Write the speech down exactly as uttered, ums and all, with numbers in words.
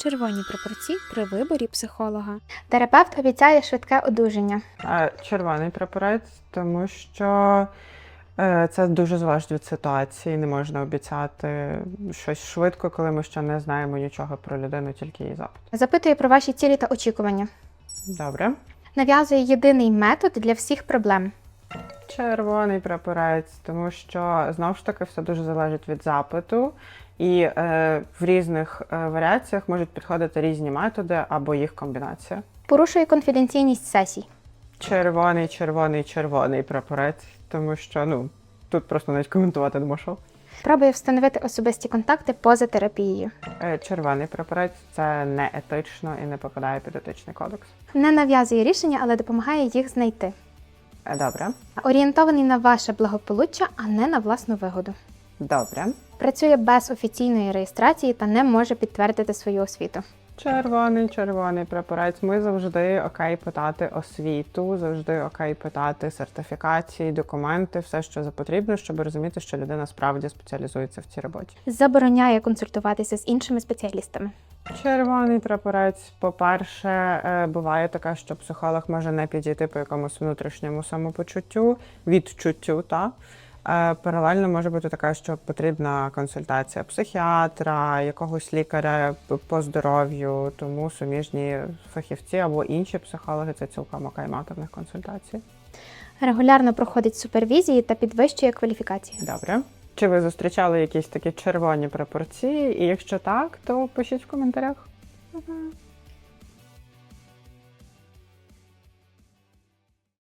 Червоні прапорці при виборі психолога. Терапевт обіцяє швидке одужання. Е, Червоний прапорець, тому що е, це дуже залежить від ситуації. Не можна обіцяти щось швидко, коли ми ще не знаємо нічого про людину, тільки її запит. Запитує про ваші цілі та очікування. Добре. Нав'язує єдиний метод для всіх проблем. Червоний прапорець, тому що, знову ж таки, все дуже залежить від запиту. І е, в різних е, варіаціях можуть підходити різні методи або їх комбінація. Порушує конфіденційність сесій. Червоний, червоний, червоний прапорець, тому що, ну, тут просто навіть коментувати не можу. Пробує встановити особисті контакти поза терапією. Е, Червоний прапорець – це не етично і не попадає під етичний кодекс. Не нав'язує рішення, але допомагає їх знайти. Е, Добре. Орієнтований на ваше благополуччя, а не на власну вигоду. Добре. Працює без офіційної реєстрації та не може підтвердити свою освіту. Червоний, червоний прапорець. Ми завжди окей питати освіту, завжди окей питати сертифікації, документи, все, що потрібно, щоб розуміти, що людина справді спеціалізується в цій роботі. Забороняє консультуватися з іншими спеціалістами. Червоний прапорець. По-перше, е, буває таке, що психолог може не підійти по якомусь внутрішньому самопочуттю, відчуттю, та Е, Паралельно може бути така, що потрібна консультація психіатра, якогось лікаря по здоров'ю, тому суміжні фахівці або інші психологи – це цілком окей мати в них консультації. Регулярно проходить супервізії та підвищує кваліфікацію. Добре. Чи ви зустрічали якісь такі червоні прапорці? І якщо так, то пишіть в коментарях.